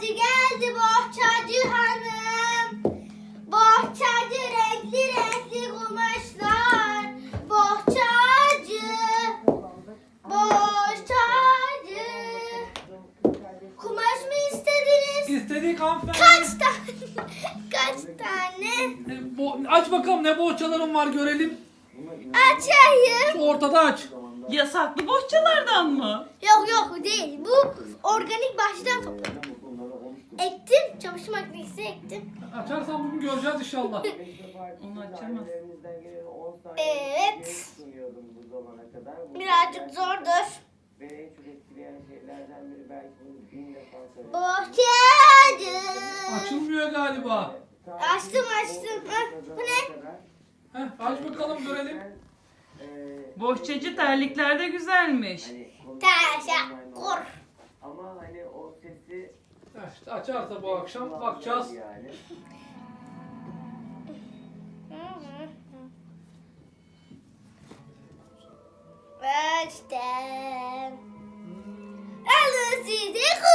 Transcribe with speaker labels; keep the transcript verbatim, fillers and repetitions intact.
Speaker 1: Bohçacı geldi, bohçacı hanım. Bohçacı renkli renkli kumaşlar. Bohçacı, bohçacı. Kumaş mı istediniz?
Speaker 2: İstedik hanımefendi.
Speaker 1: Kaç tane? Kaç tane?
Speaker 2: E, bo- aç bakalım ne bohçaların var görelim.
Speaker 1: Açayım.
Speaker 2: Şu ortada aç.
Speaker 3: Yasaklı bohçalardan mı?
Speaker 1: Yok yok değil. Bu organik bahçeden topladım. Ektim. Çamaşır makinesi ektim.
Speaker 2: Açarsan bugün göreceğiz inşallah.
Speaker 3: Onu açamaz.
Speaker 1: Evet. Birazcık zordur. Bohçacı.
Speaker 2: Açılmıyor galiba.
Speaker 1: Açtım açtım. Hah, bu ne?
Speaker 2: Heh, aç bakalım görelim.
Speaker 3: Bohçacı terlikler de güzelmiş.
Speaker 1: Teşekkür.
Speaker 4: Ama hani o sesi
Speaker 2: Heh, işte açarsa bu akşam bakacağız.
Speaker 4: yani.
Speaker 1: Açtım. Alın size